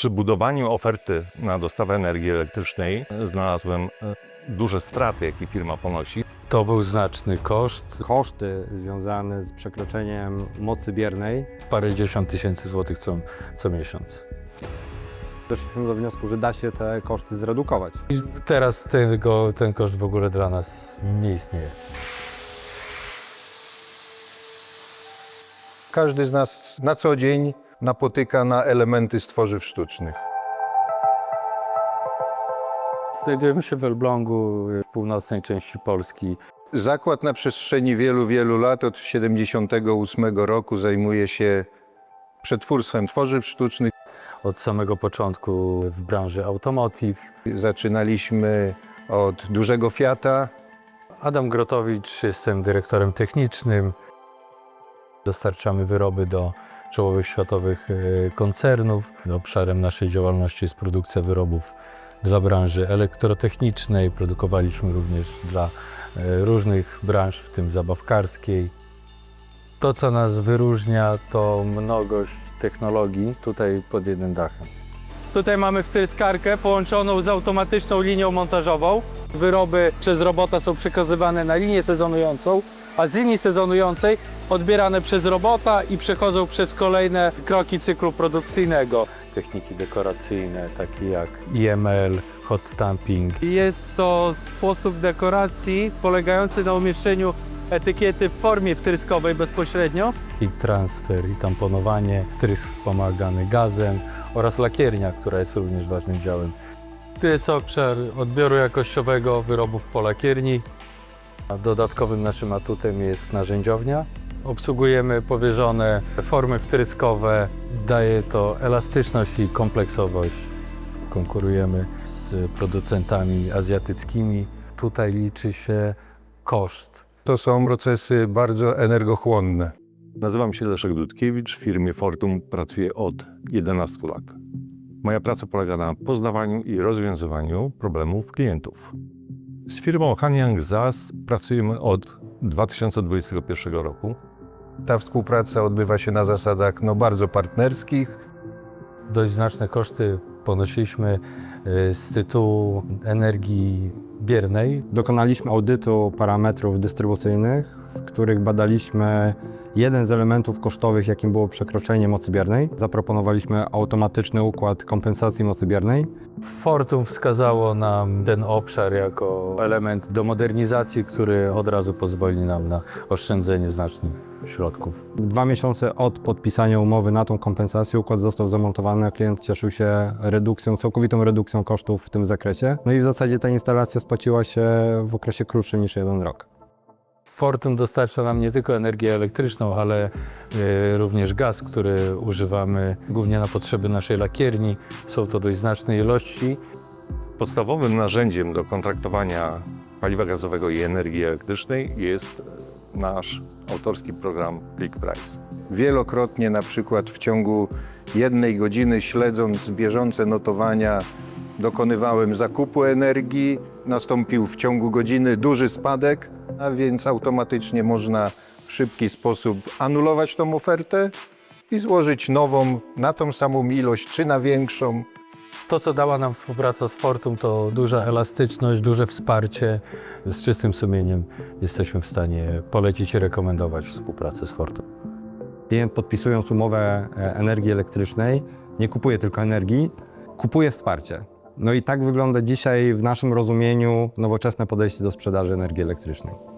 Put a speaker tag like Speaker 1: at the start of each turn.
Speaker 1: Przy budowaniu oferty na dostawę energii elektrycznej znalazłem duże straty, jakie firma ponosi.
Speaker 2: To był znaczny koszt,
Speaker 3: Koszty związane z przekroczeniem mocy biernej.
Speaker 2: parędziesiąt tysięcy złotych co miesiąc.
Speaker 3: Doszliśmy do wniosku, że da się te koszty zredukować.
Speaker 2: I teraz ten koszt w ogóle dla nas nie istnieje.
Speaker 4: Każdy z nas na co dzień napotyka na elementy z tworzyw sztucznych.
Speaker 2: Znajdujemy się w Elblągu, w północnej części Polski.
Speaker 4: Zakład na przestrzeni wielu lat, od 1978 roku zajmuje się przetwórstwem tworzyw sztucznych.
Speaker 2: Od samego początku w branży automotive.
Speaker 4: Zaczynaliśmy od dużego Fiata.
Speaker 2: Adam Grotowicz, jestem dyrektorem technicznym. Dostarczamy wyroby do czołowych światowych koncernów. Obszarem naszej działalności jest produkcja wyrobów dla branży elektrotechnicznej. Produkowaliśmy również dla różnych branż, w tym zabawkarskiej. To, co nas wyróżnia, to mnogość technologii tutaj pod jednym dachem. Tutaj mamy wtryskarkę połączoną z automatyczną linią montażową. Wyroby przez robota są przekazywane na linię sezonującą, a z linii sezonującej odbierane przez robota i przechodzą przez kolejne kroki cyklu produkcyjnego. Techniki dekoracyjne, takie jak IML, hot stamping.
Speaker 5: Jest to sposób dekoracji polegający na umieszczeniu etykiety w formie wtryskowej bezpośrednio.
Speaker 2: I transfer, i tamponowanie, wtrysk wspomagany gazem oraz lakiernia, która jest również ważnym działem. Tu jest obszar odbioru jakościowego wyrobów po lakierni. A dodatkowym naszym atutem jest narzędziownia. Obsługujemy powierzone formy wtryskowe. Daje to elastyczność i kompleksowość. Konkurujemy z producentami azjatyckimi. Tutaj liczy się koszt.
Speaker 4: To są procesy bardzo energochłonne.
Speaker 1: Nazywam się Leszek Dudkiewicz, w firmie Fortum pracuję od 11 lat. Moja praca polega na poznawaniu i rozwiązywaniu problemów klientów. Z firmą Hanyang ZAS pracujemy od 2021 roku.
Speaker 4: Ta współpraca odbywa się na zasadach bardzo partnerskich.
Speaker 2: Dość znaczne koszty ponosiliśmy z tytułu energii biernej.
Speaker 3: Dokonaliśmy audytu parametrów dystrybucyjnych, w których badaliśmy jeden z elementów kosztowych, jakim było przekroczenie mocy biernej. Zaproponowaliśmy automatyczny układ kompensacji mocy biernej.
Speaker 2: Fortum wskazało nam ten obszar jako element do modernizacji, który od razu pozwoli nam na oszczędzenie znacznych środków.
Speaker 3: 2 miesiące od podpisania umowy na tą kompensację układ został zamontowany, a klient cieszył się całkowitą redukcją kosztów w tym zakresie. No i w zasadzie ta instalacja spłaciła się w okresie krótszym niż 1 rok.
Speaker 2: Fortum dostarcza nam nie tylko energię elektryczną, ale również gaz, który używamy głównie na potrzeby naszej lakierni. Są to dość znaczne ilości.
Speaker 1: Podstawowym narzędziem do kontraktowania paliwa gazowego i energii elektrycznej jest nasz autorski program ClickPrice.
Speaker 4: Wielokrotnie, na przykład w ciągu 1 godziny, śledząc bieżące notowania, dokonywałem zakupu energii. Nastąpił w ciągu godziny duży spadek, a więc automatycznie można w szybki sposób anulować tą ofertę i złożyć nową na tą samą ilość czy na większą.
Speaker 2: To, co dała nam współpraca z Fortum, to duża elastyczność, duże wsparcie. Z czystym sumieniem jesteśmy w stanie polecić i rekomendować współpracę z Fortum.
Speaker 3: Klient, podpisując umowę energii elektrycznej, nie kupuje tylko energii, kupuje wsparcie. No i tak wygląda dzisiaj w naszym rozumieniu nowoczesne podejście do sprzedaży energii elektrycznej.